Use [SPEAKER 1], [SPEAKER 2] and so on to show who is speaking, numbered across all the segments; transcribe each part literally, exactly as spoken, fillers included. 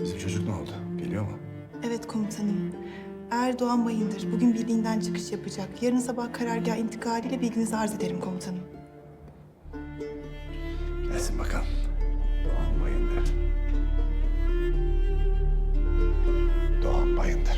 [SPEAKER 1] Bizim çocuk ne oldu? Geliyor mu?
[SPEAKER 2] Evet komutanım. Erdoğan Bayındır bugün birliğinden çıkış yapacak. Yarın sabah karargah intikaliyle bilginizi arz ederim komutanım.
[SPEAKER 1] Gelsin bakalım. Doğan Bayındır. Doğan Bayındır.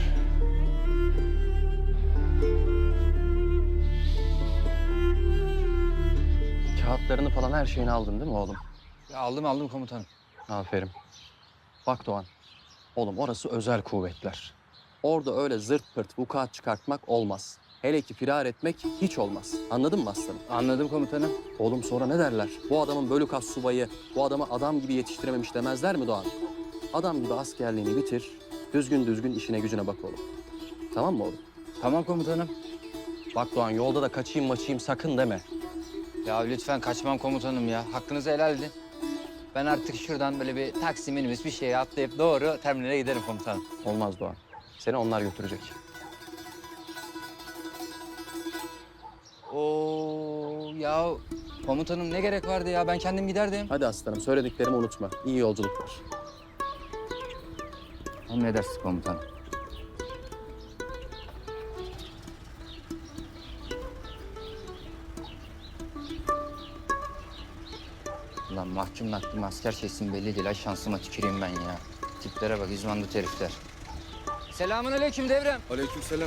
[SPEAKER 3] Kağıtlarını falan her şeyini aldın değil mi oğlum?
[SPEAKER 4] Ya aldım aldım komutanım.
[SPEAKER 3] Aferin. Bak Doğan, oğlum orası özel kuvvetler. Orada öyle zırt pırt vukuat çıkartmak olmaz. Hele ki firar etmek hiç olmaz. Anladın mı aslanım?
[SPEAKER 4] Anladım komutanım.
[SPEAKER 3] Oğlum sonra ne derler? Bu adamın bölük as subayı, bu adamı adam gibi yetiştirememiş demezler mi Doğan? Adam gibi askerliğini bitir, düzgün düzgün işine gücüne bak oğlum. Tamam mı oğlum?
[SPEAKER 4] Tamam komutanım.
[SPEAKER 3] Bak Doğan, yolda da kaçayım maçayım sakın deme.
[SPEAKER 4] Ya lütfen kaçmam komutanım ya. Hakkınızı helal edin. Ben artık şuradan böyle bir taksi minibüs bir şeye atlayıp doğru terminale giderim komutanım.
[SPEAKER 3] Olmaz Doğan. Seni onlar götürecek.
[SPEAKER 4] Oo ya komutanım ne gerek vardı ya? Ben kendim giderdim.
[SPEAKER 3] Hadi aslanım, söylediklerimi unutma. İyi yolculuklar.
[SPEAKER 4] Emredersiniz komutanım. Lan mahkum naklım asker şeysin belli değil. Ay şansıma tüküreyim ben ya. Tiplere bak izmandı herifler. Selamun aleyküm devrem.
[SPEAKER 5] Aleykümselam.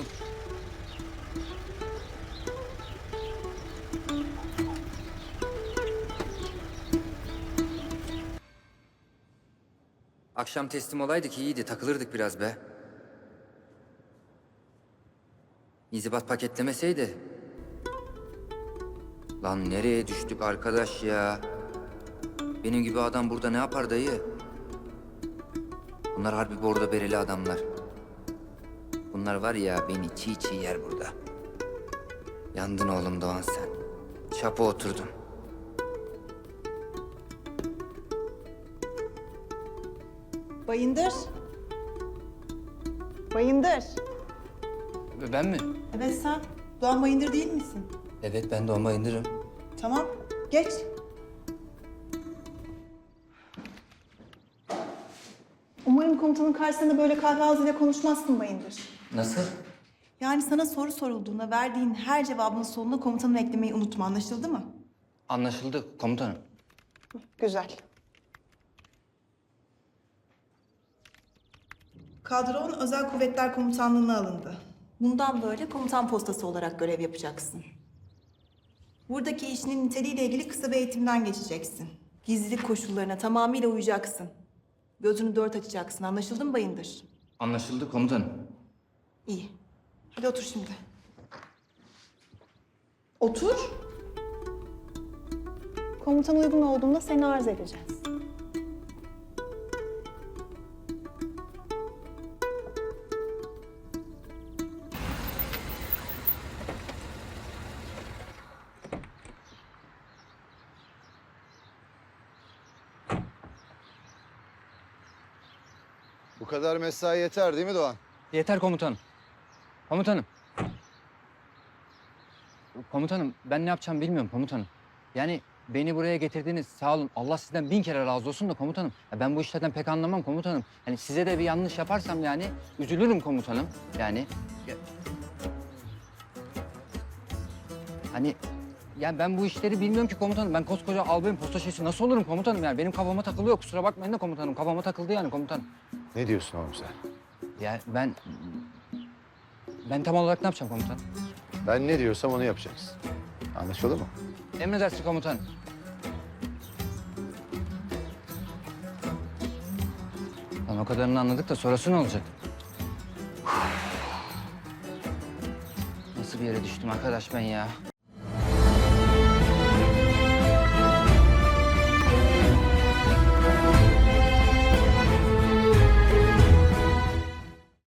[SPEAKER 6] Akşam teslim olaydık iyiydi, takılırdık biraz be. İnzibat paketlemeseydi. Lan nereye düştük arkadaş ya? Benim gibi adam burada ne yapar dayı? Bunlar harbi bordo bereli adamlar. Bunlar var ya beni çiğ çiğ yer burada. Yandın oğlum Doğan sen. Çapa oturdun.
[SPEAKER 2] Bayındır. Bayındır.
[SPEAKER 4] Ben mi?
[SPEAKER 2] Evet sen. Doğan Bayındır değil misin?
[SPEAKER 6] Evet ben Doğan Bayındır'ım.
[SPEAKER 2] Tamam. Geç. Umarım komutanın karşısında böyle kahve ağzıyla konuşmazsın Bayındır.
[SPEAKER 6] Nasıl?
[SPEAKER 2] Yani sana soru sorulduğunda verdiğin her cevabın sonuna komutanı eklemeyi unutma. Anlaşıldı mı?
[SPEAKER 4] Anlaşıldı komutanım.
[SPEAKER 2] Güzel. Kadron Özel Kuvvetler Komutanlığı'na alındı. Bundan böyle komutan postası olarak görev yapacaksın. Buradaki işinin niteliğiyle ilgili kısa bir eğitimden geçeceksin. Gizlilik koşullarına tamamıyla uyacaksın. Gözünü dört açacaksın. Anlaşıldı mı Bayındır?
[SPEAKER 4] Anlaşıldı komutanım.
[SPEAKER 2] İyi. Hadi otur şimdi. Otur. Komutan uygun olduğunda seni arz edeceğiz.
[SPEAKER 5] Bu kadar mesai yeter değil mi Doğan?
[SPEAKER 4] Yeter komutanım. Komutanım. Komutanım ben ne yapacağımı bilmiyorum komutanım. Yani beni buraya getirdiniz sağ olun. Allah sizden bin kere razı olsun da komutanım. Ya ben bu işlerden pek anlamam komutanım. Yani size de bir yanlış yaparsam yani üzülürüm komutanım. Yani ya- hani yani ben bu işleri bilmiyorum ki komutanım. Ben koskoca albayım posta şeysi nasıl olurum komutanım yani. Benim kafama takılıyor kusura bakmayın da komutanım. Kafama takıldı yani komutanım.
[SPEAKER 1] Ne diyorsun oğlum sen?
[SPEAKER 4] Ya ben ben tam olarak ne yapacağım komutanım?
[SPEAKER 1] Ben ne diyorsam onu yapacaksın. Anlaşıldı mı?
[SPEAKER 4] Emredersiniz komutanım. Lan o kadarını anladık da sonrası ne olacak? Nasıl bir yere düştüm arkadaş ben ya?